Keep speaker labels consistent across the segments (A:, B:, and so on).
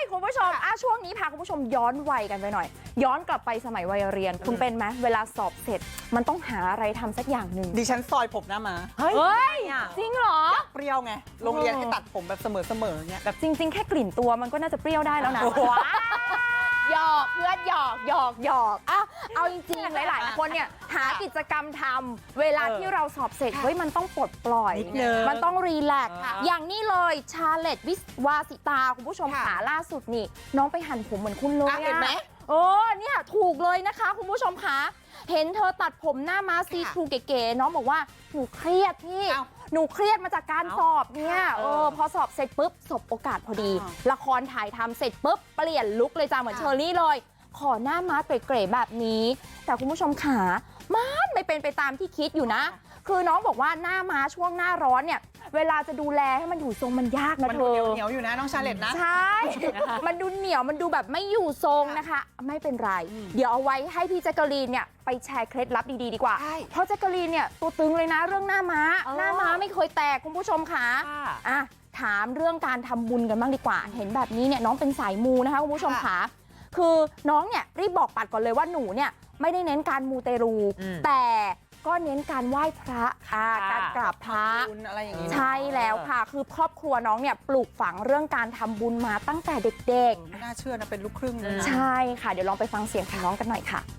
A: คุณผู้ชมช่วงนี้พาคุณผู้ชมย้อนวัยกันไปหน่อยย้อนกลับไปสมัยวัยเรียนคุณเป็นไหมเวลาสอบเสร็จมันต้องหาอะไรทำสักอย่างหนึ่ง
B: ดิฉันซอยผมหน้ามา
A: เฮ้ยจริงเหรอ
B: เปรี้ยวไงโรงเรียนให้ตัดผมแบบเสมอๆเงี้ย
A: แบบจริงๆแค่กลิ่นตัวมันก็น่าจะเปรี้ยวได้แล้วนะหยอกเพื่อนหยอกเอาจริงๆหลายๆคนเนี่ยหากิจกรรมทำเวลาที่เราสอบเสร็จเฮ้ยมันต้องปลดปล่อยมันต้องรีแลกซ์อย่างนี้เลยชาเลตวิวาสิตาคุณผู้ชมขาล่าสุดนี่น้องไปหั่นผมเหมือนคุณเลย
B: เห็นไหม
A: เนี่ยถูกเลยนะคะคุณผู้ชมคะเห็นเธอตัดผมหน้าม้าซีทรูเก๋ๆน้องบอกว่าหนูเครียดพี่หนูเครียดมาจากการสอบเนี่ยพอสอบเสร็จปุ๊บสบโอกาสพอดีละครถ่ายทำเสร็จปุ๊บเปลี่ยนลุคเลยจ้าเหมือนเชอรี่เลยขอหน้าม้าเก๋ๆแบบนี้แต่คุณผู้ชมขามันไม่เป็นไปตามที่คิดอยู่นะคือน้องบอกว่าหน้าม้าช่วงหน้าร้อนเนี่ยเวลาจะดูแลให้มันอยู่ทรงมันยากนะเธอ
B: เหนียวอยู่นะน้องชาเลตนะ
A: ใช่ มันดูเหนียวมันดูแบบไม่อยู่ทรงนะคะไม่เป็นไรเดี๋ยวเอาไว้ให้พี่แจ๊กกะลีนเนี่ยไปแชร์เคล็ดลับดีๆดีกว่าเพราะแจ๊กกะลีนเนี่ยตัวตึงเลยนะเรื่องหน้าม้าไม่เคยแตกคุณผู้ชมค่ะถามเรื่องการทำบุญกันบ้างดีกว่าเห็นแบบนี้เนี่ยน้องเป็นสายมูนะคะคุณผู้ชมค่ะคือน้องเนี่ยรีบบอกปัดก่อนเลยว่าหนูเนี่ยไม่ได้เน้นการมูเตรูแต่ก็เน้นการไหว้พระการกราบพระ
B: อะไรอย่างนี้
A: ใช่แล้วค่ะคือครอบครัวน้องเนี่ยปลูกฝังเรื่องการทำบุญมาตั้งแต่เด็ก
B: ๆน่าเชื่อนะเป็นลูกครึ่งนะ
A: ใช่ค่ะเดี๋ยวลองไปฟังเสียงของน้องกันหน่อยค่ะ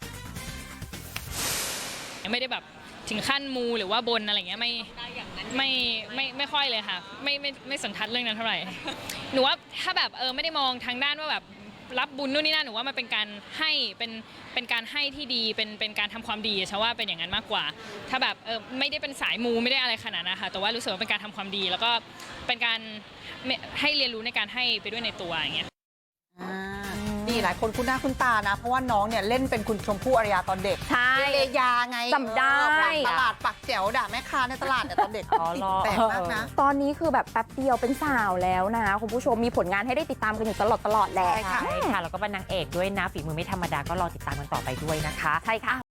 C: ไม่ได้แบบถึงขั้นมูหรือว่าบนอะไรเงี้ยไม่ค่อยเลยค่ะไม่สนทัดเรื่องนั้นเท่าไหร่หนูว่าถ้าแบบไม่ได้มองทางด้านว่าแบบรับบุญนู่นนี่นั่นหนูว่ามันเป็นการให้เป็นการให้ที่ดีเป็นการทำความดีใช่ว่าเป็นอย่างนั้นมากกว่าถ้าแบบไม่ได้เป็นสายมูไม่ได้อะไรขนาดนั้นค่ะแต่ว่ารู้สึกว่าเป็นการทำความดีแล้วก็เป็นการให้เรียนรู้ในการให้ไปด้วยในตัวอย่างเงี้ย
B: นี่หลายคนคุ้นหน้าคุ้นตานะเพราะว่าน้องเนี่ยเล่นเป็นคุณชมพู่อารยาตอนเด็ก
A: ใช่
B: เลยาไง
A: จำได้
B: ตลาดปักแจ๋วด่าแม่ค้าในตลาดเนี่ยตอนเด็กแปลกมากนะ
A: ตอนนี้คือแบบแป๊บเดียวเป็นสาวแล้วนะคุณผู้ชมมีผลงานให้ได้ติดตามกันอยู่ตลอดแหละ
D: ใช่ค่ะแล้วก็เป็นนางเอกด้วยนะฝีมือไม่ธรรมดาก็รอติดตามกันต่อไปด้วยนะคะ
A: ใช่ค่ะ